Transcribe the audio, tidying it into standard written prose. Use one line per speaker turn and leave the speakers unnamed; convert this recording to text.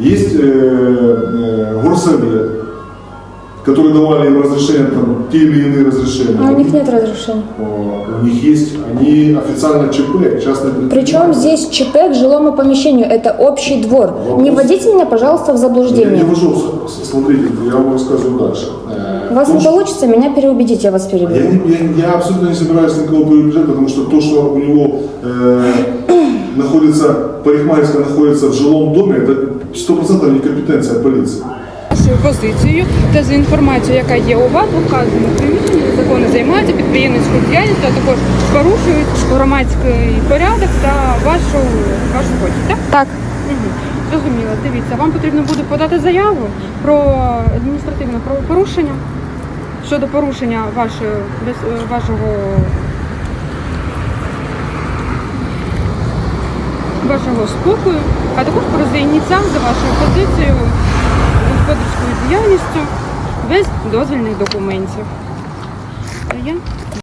Есть горсовет, которые давали им разрешение, там, те или иные разрешения.
А у них нет разрешения.
У них есть, они официально ЧП, частное предприятие.
Причем здесь ЧП к жилому помещению, это общий двор.
Вопрос.
Не вводите меня, пожалуйста, в
Я
заблуждение.
не вожу, смотрите, я вам рассказываю дальше.
У вас не получится меня переубедить, я вас перебью.
Я абсолютно не собираюсь никого переубеждать, потому что то, что у него находится, парикмахерская находится в жилом доме, это 100% некомпетенция полиции.
Вашою позицією та за інформацією, яка є у вас, в вказаному приміщенні законно займаються підприємницькою діяльністю, а також порушують громадський порядок та вашу хочуть, так?
Так.
Угу. Зрозуміло. Дивіться, вам потрібно буде подати заяву про адміністративне правопорушення щодо порушення вашого спокою, а також про зайняття за вашою позицією господарською діяльністю без дозвільних документів. Є?